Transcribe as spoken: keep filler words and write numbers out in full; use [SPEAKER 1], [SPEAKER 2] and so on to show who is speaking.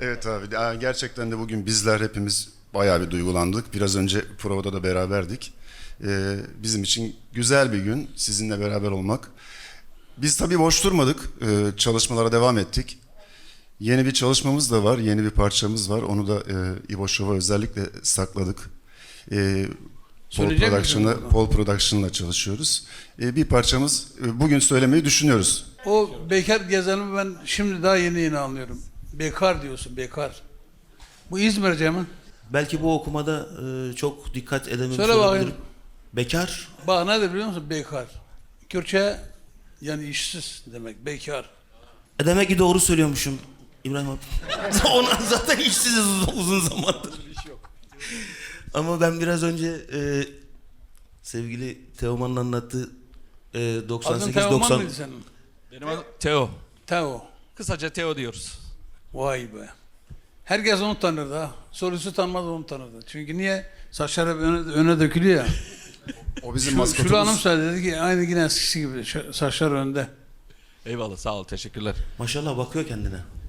[SPEAKER 1] Evet abi, ya gerçekten de bugün bizler hepimiz bayağı bir duygulandık. Biraz önce provada da beraberdik. Ee, bizim için güzel bir gün sizinle beraber olmak. Biz tabii boş durmadık, Ee, çalışmalara devam ettik. Yeni bir çalışmamız da var, yeni bir parçamız var. Onu da e, İbo Show'a özellikle sakladık. Ee, Pol
[SPEAKER 2] Söyleyecek misin
[SPEAKER 1] Production'la,
[SPEAKER 2] bunu?
[SPEAKER 1] Pol Production'la çalışıyoruz. Ee, bir parçamız e, bugün söylemeyi düşünüyoruz.
[SPEAKER 2] O bekar gezenimi ben şimdi daha yeni yeni anlıyorum. Bekar diyorsun, bekar. Bu İzmirce mi?
[SPEAKER 3] Belki bu okumada e, çok dikkat edememiş
[SPEAKER 2] Söyle
[SPEAKER 3] olabilirim.
[SPEAKER 2] bakayım.
[SPEAKER 3] Bekar.
[SPEAKER 2] Bak nedir biliyor musun? Bekar. Kürtçe yani işsiz demek, bekar.
[SPEAKER 3] E demek ki doğru söylüyormuşum İbrahim abi. Ona zaten işsiziz uzun, uzun zamandır. Ama ben biraz önce e, sevgili Teoman'ın anlattığı e, doksan
[SPEAKER 2] Adın
[SPEAKER 3] sekiz
[SPEAKER 2] Teoman
[SPEAKER 3] doksan
[SPEAKER 2] mıydı senin?
[SPEAKER 4] Benim adım Teo.
[SPEAKER 2] Teo.
[SPEAKER 4] Kısaca Teo diyoruz.
[SPEAKER 2] Vay be. Herkes onu tanırdı ha. Sorusu tanımaz onu tanırdı. Çünkü niye? Saçlar hep öne, öne dökülüyor ya.
[SPEAKER 1] O bizim
[SPEAKER 2] Şu,
[SPEAKER 1] maskotumuz.
[SPEAKER 2] Şule Hanım söyledi dedi ki aynı yine eskisi gibi şu- saçlar önde.
[SPEAKER 4] Eyvallah, sağ ol, teşekkürler.
[SPEAKER 3] maşallah bakıyor kendine.